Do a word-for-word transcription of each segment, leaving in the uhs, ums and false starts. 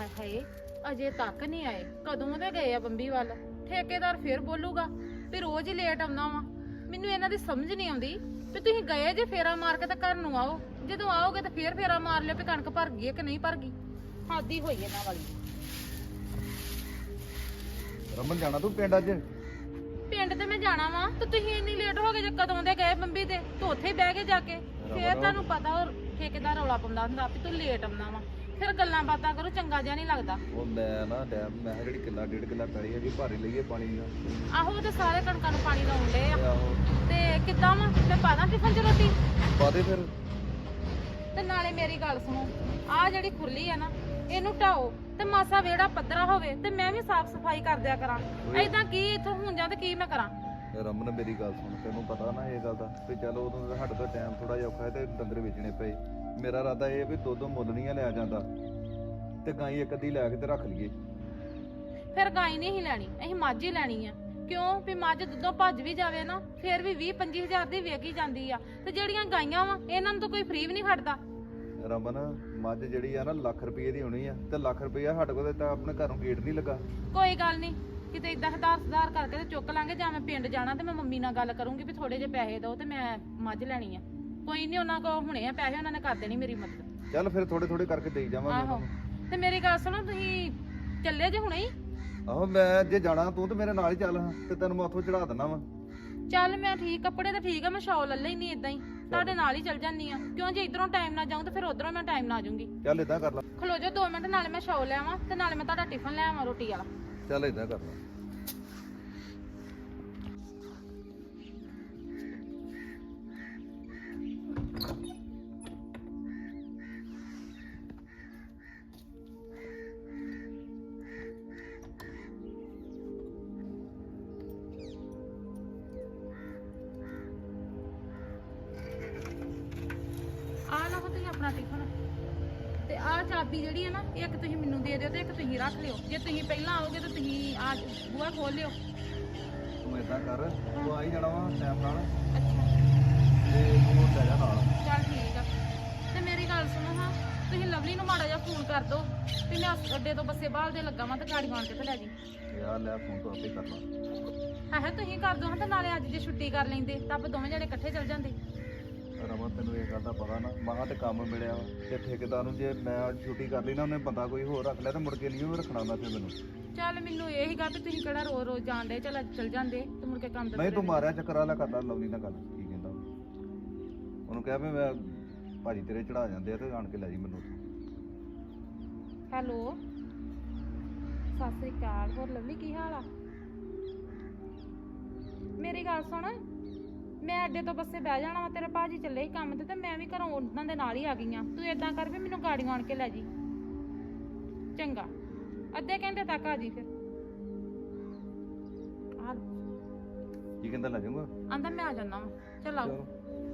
ਹਾਏ ਹਾਏ ਅਜੇ ਤੱਕ ਨਹੀਂ ਆਏ। ਕਦੋਂ ਦੇ ਗਏ ਆ ਬੰਬੀ ਵੱਲ। ਠੇਕੇਦਾਰ ਫੇਰ ਬੋਲੂਗਾ ਵੀ ਰੋਜ਼ ਹੀ ਲੇਟ ਆਉਂਦਾ ਵਾ। ਮੈਨੂੰ ਇਹਨਾਂ ਦੀ ਸਮਝ ਨਹੀਂ ਆਉਂਦੀ ਵੀ ਤੁਸੀਂ ਗਏ ਜੇ ਫੇਰਾ ਮਾਰ ਕੇ ਤਾਂ ਘਰ ਨੂੰ ਆਓ, ਜਦੋਂ ਆਓਗੇ ਤਾਂ ਫੇਰ ਫੇਰਾ ਮਾਰ ਲਿਓ ਵੀ ਕਣਕ ਭਰ ਗਈ ਹੈ ਕਿ ਨਹੀਂ ਭਰ ਗਈ। ਹਾਦੀ ਹੋਈ ਇਹਨਾਂ ਵਾਲੀ। ਰਮਨ ਜਾਣਾ ਤੂੰ ਪਿੰਡ ਅੱਜ? ਪਿੰਡ ਤੇ ਮੈਂ ਜਾਣਾ ਵਾ ਤੇ ਤੁਸੀਂ ਇੰਨੀ ਲੇਟ ਹੋ ਗਏ ਜੇ ਕਦੋਂ ਦੇ ਗਏ ਬੰਬੀ ਤੇ ਤੂੰ ਉੱਥੇ ਹੀ ਬਹਿ ਕੇ ਜਾ ਕੇ। ਫੇਰ ਤੁਹਾਨੂੰ ਪਤਾ ਉਹ ਠੇਕੇਦਾਰ ਰੌਲਾ ਪਾਉਂਦਾ ਹੁੰਦਾ ਵੀ ਤੂੰ ਲੇਟ ਆਉਂਦਾ ਵਾ, ਫਿਰ ਗੱਲਾਂ ਬਾਤਾਂ ਕਰੋ, ਚੰਗਾ ਜਿਹਾ ਨਹੀਂ ਲੱਗਦਾ। ਉਹ ਮੈਂ ਨਾ ਡੈਮ ਮੈਂ ਕਿਹਾ ਜਿਹੜੀ ਕਿੱਲਾ ਡੇਢ ਕਿੱਲਾ ਪੈਲੀ ਹੈਗੀ ਭਾਰੀ ਲਈਏ ਪਾਣੀ ਦਾ। ਆਹੋ ਤੇ ਸਾਰੇ ਕਣਕਾਂ ਨੂੰ ਪਾਣੀ ਲਾਉਣ ਡੇ ਆ। ਆਹੋ ਤੇ ਕਿੱਦਾਂ ਵਾ ਮੈਂ ਪਾ ਦਾਂ ਟਿਫਨ ਚ ਰੋਟੀ? ਪਾ ਦੇ ਫਿਰ। ਤੇ ਨਾਲੇ ਮੇਰੀ ਗੱਲ ਸੁਣੋ, ਆਹ ਜਿਹੜੀ ਖੁੱਲੀ ਆ ਨਾ ਇਹਨੂੰ ਢਾਓ ਤੇ ਮਾਸਾ ਵਿਹੜਾ ਪੱਧਰਾ ਹੋਵੇ ਤੇ ਮੈਂ ਵੀ ਸਾਫ਼ ਸਫਾਈ ਕਰ ਦਿਆ ਕਰਾਂ। ਐਦਾਂ ਕੀ ਇੱਥੋਂ ਹੁਣ ਜਾਂ ਤੇ ਕੀ ਮੈਂ ਕਰਾਂ? ਰਮਨ ਮੇਰੀ ਗੱਲ ਸੁਣ, ਤੈਨੂੰ ਪਤਾ ਨਾ ਇਹ ਗੱਲ ਦਾ ਵੀ ਚਲ ਉਦੋਂ ਸਾਡੇ ਤੋਂ ਟਾਈਮ ਥੋੜਾ ਜਿਹਾ ਔਖਾ ਹੈ ਤੇ ਡੰਗਰ ਵੇਚਣੇ ਪਏ। ਮੇਰਾ ਇਰਾਦਾ ਇਹ ਵੀ ਦੋ ਦੋ ਮੁੱਲ ਨਹੀਂ ਲਿਆ ਜਾਂਦਾ ਤੇ ਗਾਈ ਇੱਕ ਅੱਧੀ ਲੈ ਕੇ ਤੇ ਰੱਖ ਲਈਏ। ਫਿਰ ਗਾਈ ਨਹੀਂ ਹੀ ਲੈਣੀ, ਅਸੀਂ ਮੱਝ ਹੀ ਲੈਣੀ ਆ। ਕਿਉਂ ਵੀ ਮੱਝ ਦੁੱਧੋਂ ਭੱਜ ਵੀ ਜਾਵੇ ਨਾ ਫਿਰ ਵੀ ਵੀਹ ਪੰਜੀ ਹਜ਼ਾਰ ਦੀ ਵੇਚੀ ਜਾਂਦੀ ਆ ਤੇ ਜਿਹੜੀਆਂ ਗਾਈਆਂ ਵਾ ਇਹਨਾਂ ਨੂੰ ਤਾਂ ਕੋਈ ਫ੍ਰੀ ਵੀ ਨਹੀਂ ਖੜਦਾ। ਰਮਨ ਮੱਝ ਜਿਹੜੀ ਆ ਨਾ ਲੱਖ ਰੁਪਏ ਦੀ ਹੋਣੀ ਆ ਤੇ ਲੱਖ ਰੁਪਇਆ ਸਾਡੇ ਕੋਲ ਤਾਂ ਆਪਣੇ ਘਰੋਂ ਗੇਟ ਨਹੀਂ ਲੱਗਾ। ਕੋਈ ਗੱਲ ਨਹੀਂ, ਕਿਤੇ ਇਦਾਂ ਹਦਾਰ ਸੁਧਾਰ ਕਰਕੇ ਤੇ ਚੁੱਕ ਲਾਂਗੇ। ਜਾਂ ਮੈਂ ਪਿੰਡ ਜਾਣਾ ਤੇ ਮੈਂ ਮੰਮੀ ਨਾਲ ਗੱਲ ਕਰੂੰਗੀ ਵੀ ਥੋੜੇ ਜਿਹੇ ਪੈਸੇ ਦਿਓ ਤੇ ਮੈਂ ਮੱਝ ਲੈਣੀ ਆ। ਕੋਈ ਨਹੀਂ, ਉਹਨਾਂ ਕੋਲ ਹੁਣੇ ਆ ਪੈਸੇ, ਉਹਨਾਂ ਨੇ ਕਰ ਦੇਣੀ ਮੇਰੀ ਮਦਦ। ਚੱਲ ਫਿਰ ਥੋੜੇ ਥੋੜੇ ਕਰਕੇ ਦੇਈ ਜਾਵਾਂਗੇ। ਆਹੋ ਤੇ ਮੇਰੀ ਗੱਲ ਸੁਣੋ, ਤੁਸੀਂ ਚੱਲੇ ਜੇ ਹੁਣੇ ਹੀ? ਆਹੋ ਮੈਂ ਜੇ ਜਾਣਾ ਤੂੰ ਤੇ ਮੇਰੇ ਨਾਲ ਹੀ ਚੱਲ ਹਾਂ ਤੇ ਤੈਨੂੰ ਮੈਂ ਉੱਥੋਂ ਚੜਾ ਦਿੰਦਾ ਵਾ। ਚੱਲ ਮੈਂ ਠੀਕ, ਕੱਪੜੇ ਤਾਂ ਠੀਕ ਆ, ਮੈਂ ਸ਼ਾਲ ਲੈ ਲੈਣੀ ਇਦਾਂ ਹੀ ਤੁਹਾਡੇ ਨਾਲ ਹੀ ਚੱਲ ਜਾਂਦੀ ਆ। ਕਿਉਂ ਜੇ ਇਧਰੋਂ ਟਾਈਮ ਨਾ ਜਾਊਂ ਤੇ ਫਿਰ ਉਧਰੋਂ ਮੈਂ ਟਾਈਮ ਨਾ ਆ ਜਾਊਂਗੀ। ਚੱਲ ਇਦਾਂ ਕਰ ਲਾ। ਖਲੋ ਜਾਓ ਦੋ ਮਿੰਟ, ਨਾਲੇ ਮੈਂ ਸ਼ਾਲ ਲੈ ਆਵਾਂ ਤੇ ਨਾਲੇ ਮੈਂ ਤੁਹਾਡਾ ਟਿਫਨ ਲੈ ਆਵਾਂ ਰੋਟੀ ਵਾਲਾ। ਚੱਲ ਇਦਾਂ ਕਰ ਲਾ। ਆਹ ਲਓ ਤੁਸੀਂ ਆਪਣਾ ਟਿਫਨ ਤੇ ਆਹ ਚਾਬੀ ਜਿਹੜੀ ਹੈ ਨਾ ਇੱਕ ਤੁਸੀਂ ਮੈਨੂੰ ਦੇ ਦਿਓ ਤੇ ਇੱਕ ਤੁਸੀਂ ਰੱਖ ਲਿਓ। ਜੇ ਤੁਸੀਂ ਪਹਿਲਾਂ ਆਓਗੇ ਤਾਂ ਤੁਸੀਂ ਆ ਬੂਹਾ ਖੋਲ ਲਿਓ। ਤੂੰ ਇਦਾਂ ਕਰ, ਤੂੰ ਆ ਹੀ ਜਾਣਾ ਵਾ ਟਾਈਮ ਨਾਲ ਅੱਛਾ ਤੇ ਤੂੰ ਲੈ ਜਾ ਨਾਲ। ਚੱਲ ਠੀਕ ਆ। ਤੇ ਮੇਰੀ ਗੱਲ ਸੁਣੋ ਹਾਂ, ਤੁਸੀਂ ਲਵਲੀ ਨੂੰ ਮਾੜਾ ਜਿਹਾ ਫੋਨ ਕਰ ਦਿਓ ਵੀ ਮੈਂ ਅੱਡੇ ਤੋਂ ਬੱਸੇ ਬਾਹਲ ਦੇ ਲੱਗਾ ਵਾਂ ਤੇ ਗਾੜੀ ਆਣ ਕੇ ਤੇ ਲੈ ਜੀ। ਯਾਰ ਲੈ ਫੋਨ ਤੋਂ ਆਪੇ ਕਰ ਲਾ। ਹੈ ਹੈ ਤੁਸੀਂ ਕਰ ਦਿਓ ਹਾਂ ਤੇ ਨਾਲੇ ਅੱਜ ਜੇ ਛੁੱਟੀ ਕਰ ਲੈਂਦੇ ਤਾਂ ਆਪਾਂ ਦੋਵੇਂ ਜਣੇ ਇਕੱਠੇ ਚੱਲ ਜਾਂਦੇ। ਰਮਨ ਤੈਨੂੰ ਇਹ ਗੱਲ ਦਾ ਪਤਾ ਨਾ, ਮਹਾਂ ਤੇ ਕੰਮ ਮਿਲਿਆ ਵਾ ਤੇ ਠੇਕੇਦਾਰ ਨੂੰ ਜੇ ਮੈਂ ਛੁੱਟੀ ਕਰ ਲਈ ਨਾ ਉਹਨੇ ਬੰਦਾ ਕੋਈ ਹੋਰ ਰੱਖ ਲਿਆ ਤੇ ਮੁੜ ਕੇ ਨਹੀਂ ਉਹ ਰੱਖਣਾ ਹੁੰਦਾ ਫਿਰ ਮੈਨੂੰ। ਚੱਲ ਮੈਨੂੰ ਇਹ ਹੀ ਗੱਲ ਵੀ ਤੁਸੀਂ ਕਿਹੜਾ ਰੋਜ਼ ਰੋਜ਼ ਜਾਣ ਡੇ, ਚੱਲ ਅੱਜ ਚੱਲ ਜਾਂਦੇ ਤੇ ਮੁੜ ਕੇ ਕੰਮ ਤੇ ਨਹੀਂ ਤੂੰ ਮਾਰਿਆ ਚੱਕਰ ਵਾਲਾ ਕਰ ਲਾ ਲਵਲੀ ਨਾਲ ਗੱਲ। ਕੀ ਕਹਿੰਦਾ ਉਹਨੂੰ ਕਿਹਾ ਵੀ ਮੈਂ ਭਾਜੀ ਤੇਰੇ ਚੜਾ ਜਾਂਦੇ ਆ ਤੇ ਆਣ ਕੇ ਲੈ ਜੀ ਮੈਨੂੰ ਉੱਥੋਂ। ਹੈਲੋ ਸਤਿ ਸ੍ਰੀ ਅਕਾਲ। ਹੋਰ ਲਵਲੀ ਕੀ ਹਾਲ ਆ? ਮੇਰੀ ਗੱਲ ਸੁਣ, ਮੈਂ ਅੱਡੇ ਤੋਂ ਬੱਸੇ ਬਹਿ ਜਾਣਾ ਵਾ, ਤੇਰੇ ਭਾਜੀ ਚੱਲੇ ਸੀ ਕੰਮ ਤੇ ਤੇ ਮੈਂ ਵੀ ਘਰੋਂ ਉਹਨਾਂ ਦੇ ਨਾਲ ਹੀ ਆ ਗਈ ਆ। ਤੂੰ ਏਦਾਂ ਕਰ ਵੀ ਮੈਨੂੰ ਗਾੜੀਆਂ ਆਣ ਕੇ ਲੈ ਜੀ। ਚੰਗਾ, ਅੱਧੇ ਘੰਟੇ ਤੱਕ ਆ ਜੀ। ਫਿਰ ਆ ਕੀ ਕਹਿੰਦਾ ਲੈ ਜਾਊਗਾ? ਆਂਦਾ ਮੈਂ ਆ ਜਾਣਾ ਵਾ। ਚੱਲ ਆਓ।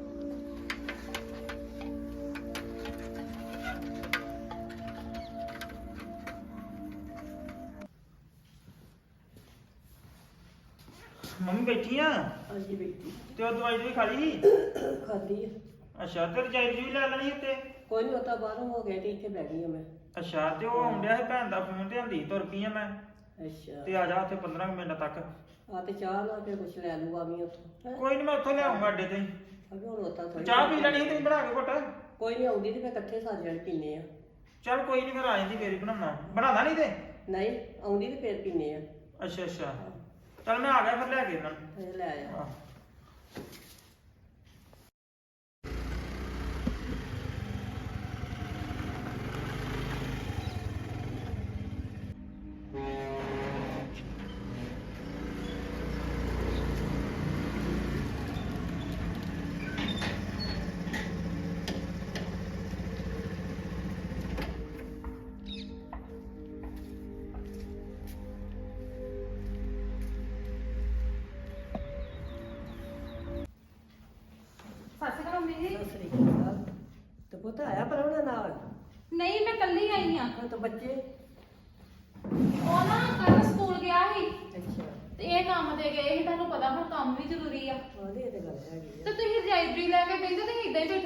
ਮੰਮੀ ਬੈਠੀ ਆ? ਹਾਂਜੀ ਬੈਠੀ। ਤੇ ਉਹ ਦਵਾਈ ਵੀ ਖਾ ਲਈ? ਖਾਦੀ ਆ। ਅੱਛਾ, ਤੇ ਰਜਾਈ ਵੀ ਲੈ ਲੈਣੀ ਉੱਤੇ? ਕੋਈ ਨਹੀਂ, ਉਤਾ ਬਾਹਰੋਂ ਹੋ ਗਿਆ ਤੇ ਇੱਥੇ ਬਹਿ ਗਈ ਆ ਮੈਂ। ਅੱਛਾ, ਤੇ ਉਹ ਆਉਂਦਿਆ ਸੀ ਭੈਣ ਦਾ ਫੋਨ ਤੇ ਹੰਦੀ ਤੁਰ ਪਈ ਆ ਮੈਂ। ਅੱਛਾ ਤੇ ਆ ਜਾ ਉੱਥੇ ਪੰਦਰਾਂ ਕੁ ਮਿੰਟ ਤੱਕ। ਆ ਤੇ ਚਾਹ ਲਾ ਕੇ ਕੁਛ ਲੈ ਲੂਗਾ ਵੀ ਉੱਥੋਂ। ਕੋਈ ਨਹੀਂ, ਮੈਂ ਉੱਥੋਂ ਲਿਆਉਂਗਾ ਅੱਡੇ ਤੇ। ਅਗੇ ਹੁਣ ਉਤਾ ਥੋੜੀ ਚਾਹ ਪੀ ਲੈਣੀ ਸੀ ਤੁਸੀਂ ਬਣਾ ਕੇ ਘੁੱਟ? ਕੋਈ ਨਹੀਂ, ਆਉਂਦੀ ਤੇ ਫਿਰ ਇਕੱਠੇ ਸਾਰੇ ਜਣੇ ਪੀਨੇ ਆ। ਚੱਲ ਕੋਈ ਨਹੀਂ, ਫਿਰ ਆ ਜਾਂਦੀ ਫੇਰ ਹੀ ਬਣਾਉਣਾ। ਬਣਾਦਾ ਨਹੀਂ ਤੇ? ਨਹੀਂ ਆਉਂਦੀ ਤੇ ਫੇਰ ਪੀਨੇ ਆ। ਅੱਛਾ ਅੱਛਾ, ਚੱਲ ਮੈਂ ਆ ਗਿਆ ਫਿਰ ਲੈ ਕੇ ਇਹਨਾਂ ਨੂੰ। ਫਿਰ ਲੈ ਆ। ਆਹ ਸਤਿ ਸ਼੍ਰੀ ਅਕਾਲ ਮੰਮੀ ਜੀ। ਸਤਿ ਸ੍ਰੀ ਅਕਾਲ। ਤੇ ਪੁੱਤ ਆਇਆ ਪਰਵਣਾ ਨਾਲ? ਨਹੀਂ ਮੈਂ ਕੱਲੀ ਆਈ ਆ। ਹਾਂ ਤਾਂ ਬੱਚੇ? ਉਹ ਨਾ ਕੱਲ ਸਕੂਲ ਗਿਆ ਸੀ ਅੱਛਾ। ਤੇ ਇਹ ਕੰਮ ਤੇ ਗਏ ਸੀ। ਤੁਹਾਨੂੰ ਪਤਾ ਹੁਣ ਕੰਮ ਵੀ ਜ਼ਰੂਰੀ ਆ। ਉਹਦੀ ਇਹ ਤੇ ਗੱਲ ਹੈਗੀ ਆ। ਤੇ ਤੁਸੀਂ ਰਜਾਈ ਲੈ ਕੇ ਬੈਠੇ ਤੇ ਇਦਾਂ ਹੀ ਬੈਠੇ ਜੇ। ਉਹ ਤਾਂ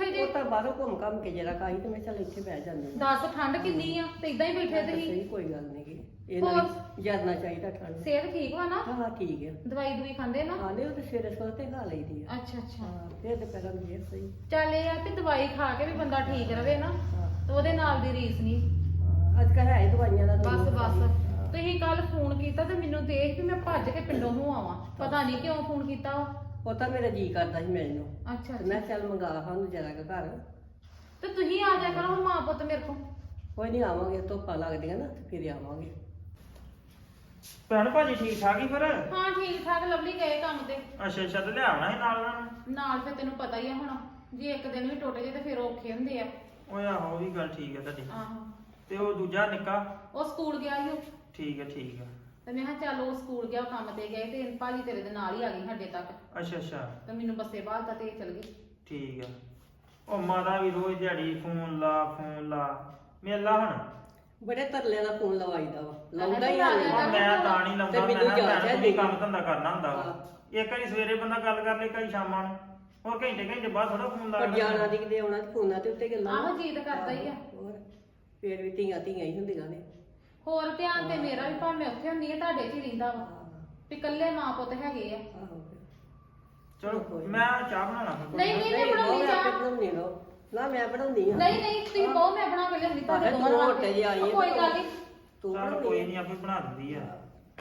ਚੱਲ ਬਾਹਰੋਂ ਘੁੰਮ ਘੰਮ ਕੇ ਜਰਾ ਕਾਈ ਤੇ ਮੈਂ ਚੱਲ ਇੱਥੇ ਬਹਿ ਜਾਂਦੀ ਹਾਂ। ਦੱਸ ਠੰਡ ਕਿੰਨੀ ਆ ਤੇ ਇਦਾਂ ਹੀ ਬੈਠੇ ਤੁਸੀਂ ਸਹੀ ਕੋਈ ਗੱਲ ਨਹੀਂ ਗੀ ਇਹਨਾਂ ਨੂੰ ਜਰਨਾ ਚਾਹੀਦਾ ਠੰਡ ਸਿਹਤ ਠੀਕ ਵਾ ਨਾ ਹਾਂ ਹਾਂ ਠੀਕ ਹੈ ਦਵਾਈ ਦੂਈ ਖਾਂਦੇ ਨਾ ਹਾਂ ਨਹੀਂ ਉਹ ਤੇ ਸਵੇਰੇ ਸਵੇਰੇ ਤੇ ਖਾ ਲਈਦੀ ਆ ਅੱਛਾ ਅੱਛਾ ਹਾਂ ਫਿਰ ਦੁਪਹਿਰਾਂ ਨੂੰ ਫੇਰ ਸਹੀ ਚੱਲ ਇਹ ਆ ਵੀ ਦਵਾਈ ਖਾ ਕੇ ਵੀ ਬੰਦਾ ਠੀਕ ਰਵੇ ਨਾ ਹਾਂ ਤੇ ਉਹਦੇ ਨਾਲ ਦੀ ਰੀਸ ਨਹੀਂ ਹਾਂ, ਅੱਜ ਕੱਲ੍ਹ ਹੈ ਹੀ ਦਵਾਈਆਂ ਦਾ ਬਸ ਤੁਹਾਨੂੰ ਬਸ ਪਤਾ ਹੀ। ਹਾਂ। ਤੁਸੀਂ ਕੱਲ ਫੋਨ ਕੀਤਾ ਤੇ ਮੈਨੂੰ ਦੇਖ ਵੀ ਮੈਂ ਭੱਜ ਕੇ ਪਿੰਡੋਂ ਨੂੰ ਆਵਾਂ ਪਤਾ ਨਹੀਂ ਕਿਉਂ ਫੋਨ ਕੀਤਾ ਵਾ ਉਹ ਤਾਂ ਮੇਰਾ ਜੀ ਕਰਦਾ ਸੀ ਮਿਲਣ ਨੂੰ ਅੱਛਾ ਤੇ ਮੈਂ ਕਿਹਾ ਚੱਲ ਮੰਗਾ ਸਾਨੂੰ ਜਰਾ ਕੁ ਘਰ ਤੇ ਤੁਸੀਂ ਆ ਜਾ ਕਰੋ ਮਾਂ ਪੁੱਤ ਮੇਰੇ ਕੋਲ ਕੋਈ ਨਹੀਂ ਆਵਾਂਗੇ ਧੁੱਪਾਂ ਲੱਗਦੀਆਂ ਨਾ ਤੇ ਫਿਰ ਆਵਾਂਗੇ ਭੈਣ ਭਾਜੀ ਠੀਕ ਠਾਕ ਹੀ ਫਿਰ ਹਾਂ ਠੀਕ ਠਾਕ ਲਵਲੀ ਗਏ ਕੰਮ ਤੇ ਅੱਛਾ ਅੱਛਾ ਤੇ ਲਿਆਉਣਾ ਸੀ ਨਾਲ ਉਹਨਾਂ ਨੂੰ ਨਾਲ ਫਿਰ ਤੈਨੂੰ ਪਤਾ ਹੀ ਆ ਹੁਣ ਜੇ ਇੱਕ ਦਿਨ ਵੀ ਟੁੱਟ ਜੇ ਤੇ ਫਿਰ ਔਖੇ ਹੁੰਦੇ ਆ ਓਏ ਆਹੋ ਉਹ ਵੀ ਗੱਲ ਠੀਕ ਹੈ ਤੁਹਾਡੀ ਆਹੋ ਤੇ ਉਹ ਦੂਜਾ ਨਿੱਕਾ ਉਹ ਸਕੂਲ ਗਿਆ ਸੀ ਉਹ ਠੀਕ ਹੈ ਠੀਕ ਹੈ ਤੇ ਮੈਂ ਕਿਹਾ ਚੱਲ ਉਹ ਸਕੂਲ ਗਿਆ ਉਹ ਕੰਮ ਤੇ ਗਏ ਤੇ ਭਾਜੀ ਤੇਰੇ ਦੇ ਨਾਲ ਹੀ ਆ ਗਈ ਸਾਡੇ ਤੱਕ ਅੱਛਾ ਅੱਛਾ ਤੇ ਮੈਨੂੰ ਬੱਸੇ ਬਾਹਰ ਤੇ ਚਲ ਗਏ ਠੀਕ ਹੈ ਉਹ ਮਾਤਾ ਵੀ ਰੋਜ਼ ਦਿਹਾੜੀ ਫੋਨ ਲਾ ਫੋਨ ਲਾ ਮੇਲਾ ਹੁਣ ਬੜੇ ਤਰਲਿਆਂ ਦਾ ਫੋਨ ਲਵਾਈਦਾ ਵਾ ਲਾਉਂਦਾ ਹੀ ਆ ਨਹੀਂ ਗਿਆ। ਹੁਣ ਮੈਂ ਤਾਂ ਨਹੀਂ ਲਾਉਂਦਾ ਤੇ ਮੈਂ ਮੈਨੂੰ ਕਿਹਾ ਜਾਚ ਹੈ ਭੈਣ ਤੂੰ ਵੀ ਜੀ। ਕੰਮ ਧੰਦਾ ਕਰਨਾ ਹੁੰਦਾ ਵਾ ਹਾਂ। ਇੱਕ ਵਾਰੀ ਸਵੇਰੇ ਬੰਦਾ ਗੱਲ ਕਰ ਲੇ ਕਈ ਸ਼ਾਮਾਂ ਨੂੰ ਹੋਰ ਘੰਟੇ ਘੰਟੇ ਬਾਅਦ ਥੋੜਾ ਫੋਨ ਲਾ ਪਰ ਜਾਣਾ ਦੀ ਕਿਤੇ ਆਉਣਾ ਤੇ ਫੋਨਾਂ ਤੇ ਉੱਤੇ ਗੱਲਾਂ ਆਹੋ ਜੀ ਤਾਂ ਕਰਦਾ ਹੀ ਆ ਹੋਰ ਫੇਰ ਵੀ ਧੀਆਂ ਧੀਆਂ ਹੀ ਹੁੰਦੀਆਂ ਨੇ ਹੋਰ ਧਿਆਨ ਤੇ ਮੇਰਾ ਵੀ ਭਾਵੇਂ ਉੱਥੇ ਹੁੰਦੀ ਹੈ ਤੁਹਾਡੇ 'ਚ ਹੀ ਰਹਿੰਦਾ ਵਾ ਹਾਂ, ਵੀ ਇਕੱਲੇ ਮਾਂ ਪੁੱਤ ਹੈਗੇ ਆ ਆਹੋ ਚਲੋ ਮੈਂ ਚਾਹ ਬਣਾਉਣਾ ਫਿਰ ਨਹੀਂ ਨਹੀਂ ਮੈਂ ਨਹੀਂ ਬਣਾਉਣੀ ਮੈਂ ਆਪੇ ਚਾਹ ਬਣਾਉਣੀ ਲੋ ਨਾ ਮੈਂ ਬਣਾਉਂਦੀ ਆ ਨਹੀਂ ਨਹੀਂ ਤੁਸੀਂ ਬਹੁ ਮੈਂ ਬਣਾ ਕੇ ਲਿਆਉਂਦੀ ਤੁਹਾਡੇ ਭਾਵੇਂ ਦੋਵਾਂ ਤੂੰ ਵਾਸਤੇ ਮੋਟੇ ਜਿਹੇ ਆਈ ਹੈ ਕੋਈ ਗੱਲ ਨਹੀਂ ਤੂੰ ਚੱਲ ਬਣਾਉਣੀ ਕੋਈ ਆ। ਨਹੀਂ ਆਪੇ ਬਣਾ ਦਿੰਦੀ ਆ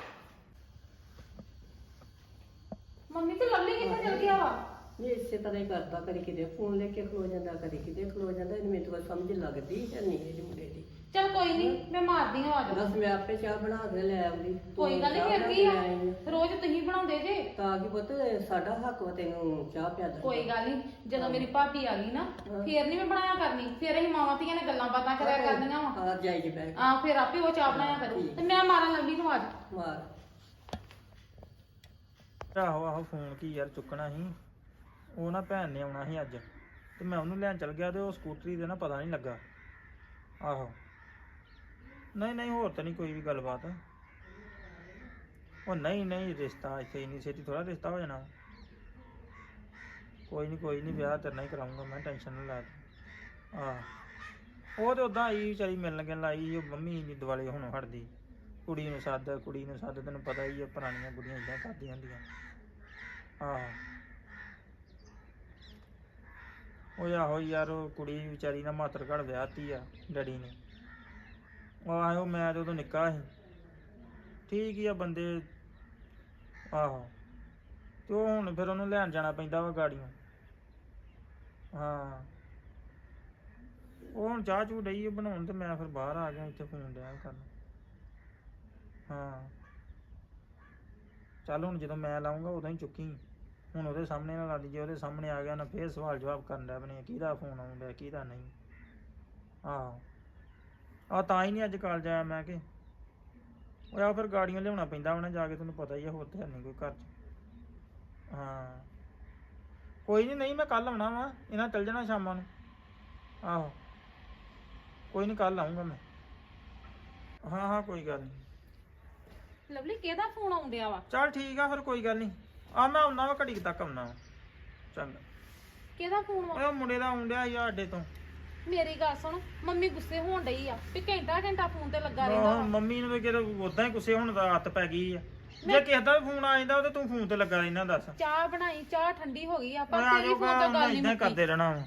ਮੰਮੀ ਤੇ ਲਵਲੀ ਕਿੱਥੇ ਚਲ ਗਿਆ ਵਾ ਨਹੀਂ ਇਸੇ ਤਰ੍ਹਾਂ ਹੀ ਕਰਦਾ ਕਦੀ ਕਿਤੇ ਫੋਨ ਲੈ ਕੇ ਖਲੋ ਜਾਂਦਾ ਕਦੀ ਕਿਤੇ ਖਲੋ ਜਾਂਦਾ ਇਹਨੂੰ ਮੈਨੂੰ ਤਾਂ ਕੋਈ ਸਮਝ ਲੱਗਦੀ ਹੈ ਨਹੀਂ ਇਹਦੇ ਮੁੰਡੇ ਦੀ ਚਲ ਕੋਈ ਨਹੀਂ ਮੈਂ ਮਾਰਦੀ ਹਾਂ ਆਵਾਜ਼ ਬਸ ਮੈਂ ਆਪੇ ਚਾਹ ਬਣਾ ਕੇ ਲੈ ਆਉਂਦੀ ਤੂੰ ਕੋਈ ਗੱਲ ਨਹੀਂ ਚਾਹ ਫਿਰ ਬਣਾ ਕੀ ਕੇ ਆ ਲੈ ਆਈ ਆ। ਰੋਜ਼ ਤੁਸੀਂ ਬਣਾਉਂਦੇ ਜੇ ਤਾਂ ਕਿ ਪੁੱਤ ਸਾਡਾ ਹੱਕ ਵਾ ਤੈਨੂੰ ਚਾਹ ਪਿਆ ਦੇ ਕੋਈ ਗੱਲ ਨਹੀਂ ਜਦੋਂ ਮੇਰੀ ਭਾਬੀ ਆ ਗਈ ਨਾ ਫੇਰ ਨਹੀਂ ਮੈਂ ਬਣਾਇਆ ਕਰਨੀ ਫੇਰ ਅਸੀਂ ਮਾਵਾਂ ਧੀਆਂ ਨੇ ਗੱਲਾਂ ਬਾਤਾਂ ਕਰਿਆ ਕਰਨੀਆਂ ਵਾ ਹਾਂ ਜਾਈ ਜੀ ਬੈਠ ਆ ਫਿਰ ਆਪੇ ਉਹ ਚਾਹ ਬਣਾਇਆ ਕਰੂ ਠੀਕ। ਤੇ ਮੈਂ ਮਾਰਾਂ ਲਵਲੀ ਨੂੰ ਆਵਾਜ਼ ਮਾਰ ਆਹੋ ਆਹੋ ਫੋਨ ਕੀ ਯਾਰ ਚੁੱਕਣਾ ਸੀ ਉਹ ਨਾ ਭੈਣ ਨੇ ਆਉਣਾ ਸੀ ਅੱਜ ਤੇ ਮੈਂ ਉਹਨੂੰ ਲੈਣ ਚਲ ਗਿਆ ਤੇ ਉਹ ਸਕੂਟਰੀ ਦੇ ਨਾ ਪਤਾ ਨਹੀਂ ਲੱਗਾ ਆਹੋ ਨਹੀਂ ਨਹੀਂ ਹੋਰ ਤਾਂ ਨਹੀਂ ਕੋਈ ਵੀ ਗੱਲਬਾਤ ਉਹ ਨਹੀਂ ਨਹੀਂ ਰਿਸ਼ਤਾ ਇੱਥੇ ਇੰਨੀ ਛੇਤੀ ਥੋੜਾ ਰਿਸ਼ਤਾ ਹੋ ਜਾਣਾ ਕੋਈ ਨਹੀਂ ਕੋਈ ਨਹੀਂ ਵਿਆਹ ਤੇਰੇ ਨਾਲ ਹੀ ਕਰਾਉਂਗਾ ਮੈਂ ਟੈਨਸ਼ਨ ਨਾ ਲੈ ਤੂੰ। ਆਹ ਉਹ ਤੇ ਉਦਾਂ ਆਈ ਵਿਚਾਰੀ ਮਿਲਣ ਗਿਲਣ ਆਈ ਸੀ, ਉਹ ਮੰਮੀ ਨਹੀਂ ਦਿਵਾਲੇ ਹੁਣ ਹਟਦੀ ਕੁੜੀ ਨੂੰ ਸੱਦ ਕੁੜੀ ਨੂੰ ਸੱਦ ਤੈਨੂੰ ਪਤਾ ਹੀ ਆ ਪੁਰਾਣੀਆਂ ਕੁੜੀਆਂ ਇਦਾਂ ਕਰਦੀਆਂ ਹੁੰਦੀਆਂ ਆਹ ਉਹ ਆਹੋ ਯਾਰ ਉਹ ਕੁੜੀ ਵਿਚਾਰੀ ਨਾ ਮਾਤਰ ਘੜ ਵਿਆਹਤੀ ਆ ਡੈਡੀ ਨੇ ਉਹ ਆਹੋ ਮੈਂ ਤੇ ਉਦੋਂ ਨਿੱਕਾ ਸੀ ਠੀਕ ਹੀ ਆ ਬੰਦੇ ਆਹੋ ਤੇ ਉਹ ਹੁਣ ਫਿਰ ਉਹਨੂੰ ਲੈਣ ਜਾਣਾ ਪੈਂਦਾ ਵਾ ਗਾੜੀਆਂ ਹਾਂ ਉਹ ਹੁਣ ਚਾਹ ਚੂ ਡਈ ਬਣਾਉਣ ਤੇ ਮੈਂ ਫਿਰ ਬਾਹਰ ਆ ਗਿਆ ਇੱਥੇ ਫੋਨ ਡਿਆ ਕਰਨ ਹਾਂ ਚੱਲ ਹੁਣ ਜਦੋਂ ਮੈਂ ਲਾਉਂਗਾ ਉਦੋਂ ਹੀ ਚੁੱਕੀ ਹੁਣ ਉਹਦੇ ਸਾਹਮਣੇ ਨਾ ਲਾ ਦੀ ਜੇ ਉਹਦੇ ਸਾਹਮਣੇ ਆ ਗਿਆ ਨਾ ਫੇਰ ਸਵਾਲ ਜਵਾਬ ਕਰਨ ਦਾ ਬਣੇ ਕਿਹਦਾ ਫੋਨ ਆਉਂਦਾ ਕਿਹਦਾ ਨਹੀਂ ਆਹੋ ਆ ਤਾਂ ਹੀ ਨਹੀਂ ਅੱਜ ਕਾਲਜ ਆਇਆ ਮੈਂ ਕਿ ਉਹ ਆ ਫਿਰ ਗਾੜੀਆਂ ਲਿਆਉਣਾ ਪੈਂਦਾ ਉਹਨੇ ਜਾ ਕੇ ਤੈਨੂੰ ਪਤਾ ਹੀ ਆ ਹੋਰ ਤੇ ਨਹੀਂ ਕੋਈ ਘਰ 'ਚ ਹਾਂ ਕੋਈ ਨਹੀਂ ਨਹੀਂ ਮੈਂ ਕੱਲ ਆਉਣਾ ਵਾ ਇਹਨਾਂ ਚੱਲ ਜਾਣਾ ਸ਼ਾਮਾਂ ਨੂੰ ਆਹੋ ਕੋਈ ਨਹੀਂ ਕੱਲ ਆਉਂਗਾ ਮੈਂ ਹਾਂ ਹਾਂ ਕੋਈ ਗੱਲ ਨਹੀਂ ਲਵਲੀ ਕਿਹਦਾ ਫੋਨ ਆਉਂਦਿਆ ਵਾ ਚੱਲ ਠੀਕ ਆ ਫਿਰ ਕੋਈ ਗੱਲ ਨਹੀਂ ਆ ਮੈਂ ਆਉਣਾ ਵਾ ਘੜੀ ਕੁ ਤੱਕ ਆਉਣਾ ਵਾ ਚੰਗਾ ਕਿਹਦਾ ਫੋਨ ਵਾ ਉਹ ਮੁੰਡੇ ਦਾ ਆਉਂਦਿਆ ਸੀ ਸਾਡੇ ਤੋਂ ਮੇਰੀ ਗੱਲ ਸੁਣ ਮੰਮੀ ਗੁੱਸੇ ਹੋਣ ਡਈ ਆ ਵੀ ਘੰਟਾ ਘੰਟਾ ਫੋਨ ਤੇ ਲੱਗਾ ਰਹਿੰਦਾ ਆਹ, ਵਾ ਮੰਮੀ ਨੂੰ ਵੀ ਕਿਹੜਾ ਉਦਾਂ ਹੀ ਗੁੱਸੇ ਹੋਣ ਦਾ ਹੱਥ ਪੈ ਗਈ ਆ ਜੇ ਕਿਸੇ ਦਾ ਵੀ ਫੋਨ ਆ ਜਾਂਦਾ ਉਹ ਤੇ ਤੂੰ ਫੋਨ ਤੇ ਲੱਗਾ ਰਹਿਣਾ ਦੱਸ ਚਾਹ ਬਣਾਈ ਚਾਹ ਠੰਡੀ ਹੋ ਗਈ ਆ ਪਰ ਓਏ ਆ ਤੇਰੀ ਜਾਓ ਫੋਨ ਤੋਂ ਗੱਲ ਨਹੀਂ ਇਦਾਂ ਮੁੱਕੀ ਕਰਦੇ ਰਹਿਣਾ ਵਾ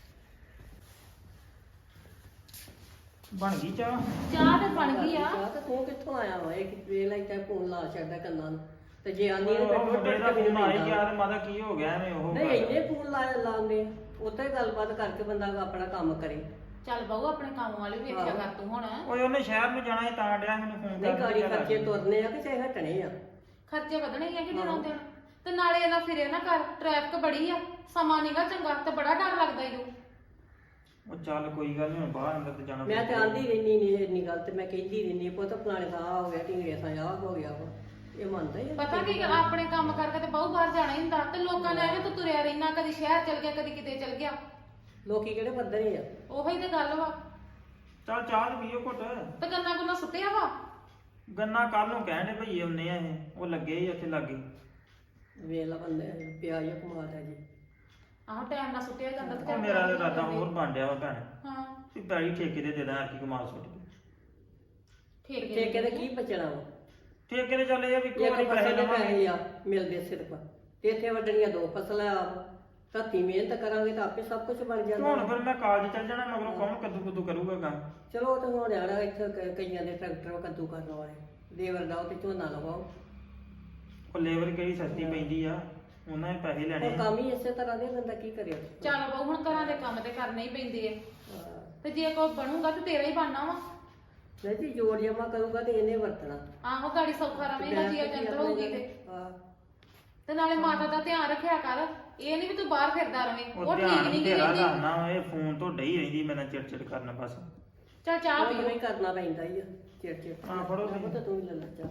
ਬਣ ਗਈ ਚਾਹ ਚਾਹ ਤੇ ਬਣ ਗਈ ਆ ਚਾਹ ਤਾਂ ਤੂੰ ਕਿੱਥੋਂ ਆਇਆ ਵਾ ਇਹ ਕਿਤੇ ਲਈ ਤਾਂ ਫੋਨ ਲਾ ਛੱਡਦਾ ਕੰਨਾਂ ਨੂੰ ਤੇ ਜੇ ਆਨੀ ਨੇ ਉਹ ਮੁੰਡੇ ਦਾ ਫੋਨ ਆ ਹੀ ਗਿਆ ਨਹੀਂ ਤੇ ਮਾਤਾ ਕੀ ਹੋ ਗਿਆ ਐਵੇਂ ਉਹ ਗੱਲ। ਇੰਨੇ ਫੋਨ ਲਾ ਲਾਉਂਦੇ ਉੱਤੇ ਗੱਲਬਾਤ ਕਰਕੇ ਬੰਦਾ ਆਪਣਾ ਕੰਮ ਕਰੇ ਚੱਲ ਬਾਊ ਆਪਣੇ ਕੰਮ ਵਾਲੀ ਵੇਖਿਆ ਕਰ ਤੂੰ ਹੁਣ ਓਏ ਉਹਨੇ ਸ਼ਹਿਰ ਨੂੰ ਜਾਣਾ ਸੀ ਤਾਂ ਡਿਆ ਮੈਨੂੰ ਫੋਨ ਨਹੀਂ ਕਰਕੇ ਗਾੜੀ ਚੱਲ ਆ ਖਰਚੇ ਜੀ। ਤੁਰਨੇ ਆ ਕਿ ਚਾਹੇ ਹਟਣੇ ਆ ਖਰਚੇ ਵਧਣੇ ਹੀ ਆ ਕਿ ਦਿਨੋਂ ਦਿਨ ਤੇ ਨਾਲੇ ਇਹਨਾਂ ਫਿਰੇ ਨਾ ਕਰ ਟ੍ਰੈਫਿਕ ਬੜੀ ਆ ਸਮਾਂ ਨੀਗਾ ਚੰਗਾ ਤੇ ਬੜਾ ਡਰ ਲੱਗਦਾ ਈ ਓ ਉਹ ਚੱਲ ਕੋਈ ਗੱਲ ਨਹੀਂ ਬਾਹਰ ਅੰਦਰ ਤੇ ਜਾਣਾ ਮੈਂ ਤੇ ਪੈਂਦਾ। ਆਂਦੀ ਰਹਿਨੀ ਨਹੀਂ ਇੰਨੀ ਗੱਲ ਤੇ ਮੈਂ ਕਹਿੰਦੀ ਰਹਿਨੀ ਪੁੱਤ ਫਲਾਣੇ ਦਾ ਆਹ ਹੋ ਗਿਆ ਢਿੰਗੜੇ ਥਾਂ ਆਹ ਹੋ ਗਿਆ ਵਾ ਇਹ ਮੰਨਦਾ ਹੀ ਆ। ਪਤਾ ਕੀ ਗੱਲ, ਆਪਣੇ ਕੰਮ ਕਰਕੇ ਤੇ ਬਾਹੂ ਬਾਹਰ ਜਾਣਾ ਹੀ ਹੁੰਦਾ ਤੇ ਲੋਕਾਂ ਨੇ ਐਵੇਂ ਤੂੰ ਤੁਰਿਆ ਰਹਿਣਾ ਕਦੀ ਸ਼ਹਿਰ ਚਲ ਗਿਆ ਕਦੀ ਕਿਤੇ ਚਲ ਗਿਆ ਲੋਕੀ ਕਿਹੜੇ ਪੱਧਰ ਹੀ ਆ ਉਹੀ ਤੇ ਗੱਲ ਵਾ ਚੱਲ ਚਾਹ ਤੇ ਪੀਓ ਘੁੱਟ ਤੇ ਗੰਨਾ ਗੁੰਨਾ ਸੁੱਟਿਆ ਵਾ ਗੰਨਾ ਕੱਲ ਨੂੰ ਕਹਿਣ ਦੇ ਭਈਏ ਹੁੰਨੇ ਆ ਇਹ ਉਹ ਲੱਗੇ ਹੀ ਉੱਥੇ ਲੱਗੇ ਵੇਲਾ ਬੰਦੇ ਪਿਆਜ ਕਮਾਦਾ ਜੀ ਆਹੋ ਟਾਈਮ ਨਾਲ ਸੁੱਟਿਆ ਜਾਂਦਾ ਤੇ ਉਹ ਚੱਲ ਮੇਰਾ ਪੈਸੇ ਇਰਾਦਾ ਜਾਂਦੇ। ਹੋਰ ਬਣ ਡਿਆ ਵਾ ਭੈਣ ਹਾਂ ਵੀ ਪੈਲੀ ਠੇਕੇ ਦੇ ਦੇ ਦਾਂ ਕੀ ਕਮਾਲ ਸੁੱਟ ਕੇ ਠੇਕੇ ਠੇਕੇ ਦੇ ਕੀ ਬਚਣਾ ਵਾ ਠੇਕੇ ਦੇ ਚੱਲੇ ਆ ਵੀ ਇੱਕੋ ਇੱਕ ਵਾਰੀ ਪੈਸੇ ਫਸਲ ਦੇ ਲਵਾਂਗੇ ਪੈਸੇ ਆ ਮਿਲਦੇ ਸਿਰਫ ਤੇ ਇੱਥੇ ਵੱਡਣੀਆਂ ਦੋ ਫਸਲਾਂ ਆ ਧੱਤੀ ਮਿਹਨਤ ਕਰਾਂਗੇ ਤਾਂ ਆਪੇ ਸਭ ਕੁਝ ਬਣ ਤੇ ਜਾਂਦਾ ਹੁਣ ਫਿਰ ਮੈਂ ਕਾਲਜ ਚੱਲ ਜਾਣਾ ਮਗਰੋਂ ਕੌਣ ਕੱਦੂ ਕੁੱਦੂ ਕਰੂਗਾ ਕੰਮ ਚਲੋ ਉਹ ਤਾਂ ਹੁਣ ਆਣਾ ਇੱਥੇ ਕ- ਕਈਆਂ ਦੇ ਟਰੈਕਟਰ ਕੱਦੂ ਕਰਨ ਵਾਲੇ ਦੇਵਰ ਲਾਓ ਤੇ ਝੋਨਾ ਲਵਾਓ ਉਹ ਲੇਬਰ ਕਿਹੜੀ ਸਸਤੀ ਪੈਂਦੀ ਆ ਉਹਨਾਂ ਨੇ ਪੈਸੇ ਲੈਣੇ ਹੁਣ ਆ। ਕੰਮ ਹੀ ਇਸੇ ਤਰ੍ਹਾਂ ਦੇ ਬੰਦਾ ਕੀ ਕਰੇ ਚੱਲ ਬਹੁ ਹੁਣ ਘਰਾਂ ਦੇ ਕੰਮ ਤੇ ਕਰਨੇ ਹੀ ਪੈਂਦੇ ਆ ਹਾਂ। ਤੇ ਜੇ ਕੋਈ ਬਣੂਗਾ ਤੇ ਤੇਰਾ ਹੀ ਬਣਨਾ ਵਾ ਨਹੀਂ ਜੀ ਜੋੜ ਜਮਾ ਕਰੂਗਾ ਤੇ ਇਹਨੇ ਵਰਤਣਾ ਆਹੋ ਗਾੜੀ ਸੌਖਾ ਰਵੇਂਗਾ ਜੀਆ ਜੰਤਰ ਹੋਊਗੀ ਤੇ ਹਾਂ ਤੇ ਨਾਲੇ ਮਾਤਾ ਦਾ ਧਿਆਨ ਰੱਖਿਆ ਕਰ ਇਹ ਨਹੀਂ ਵੀ ਤੂੰ ਬਾਹਰ ਫਿਰਦਾ ਰਵੇਂ ਉਹ ਉਹ ਠੀਕ ਧਿਆਨ ਨਹੀਂ ਗੀ ਤੇਰਾ ਰਹਿੰਦੀ ਰੱਖਣਾ ਇਹ ਫੋਨ ਤੋਂ ਡਈ ਰਹਿੰਦੀ ਮੇਰੇ ਨਾਲ ਚਿੜ ਚਿੜ ਕਰਨਾ ਬਸ ਚੱਲ ਚਾਹ ਉਹ ਪੀਓ ਹੀ ਕਰਨਾ ਪੈਂਦਾ ਹੀ ਆ ਚਿੜ ਚਿੜ ਹਾਂ, ਫੜੋ ਤੁਸੀਂ। ਤਾਂ ਤੂੰ ਹੀ ਲੈ ਲੈ ਚਾਹ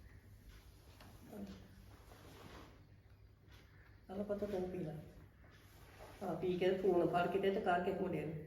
ਆਲਾ ਪਤਾ ਤੂੰ ਪੀ ਲੈ ਆ ਪੀ ਕੇ ਫੋਨ ਫੜ ਕੇ ਤੇ ਤੇ ਕਰਕੇ ਮੁੰਡੇ ਨੂੰ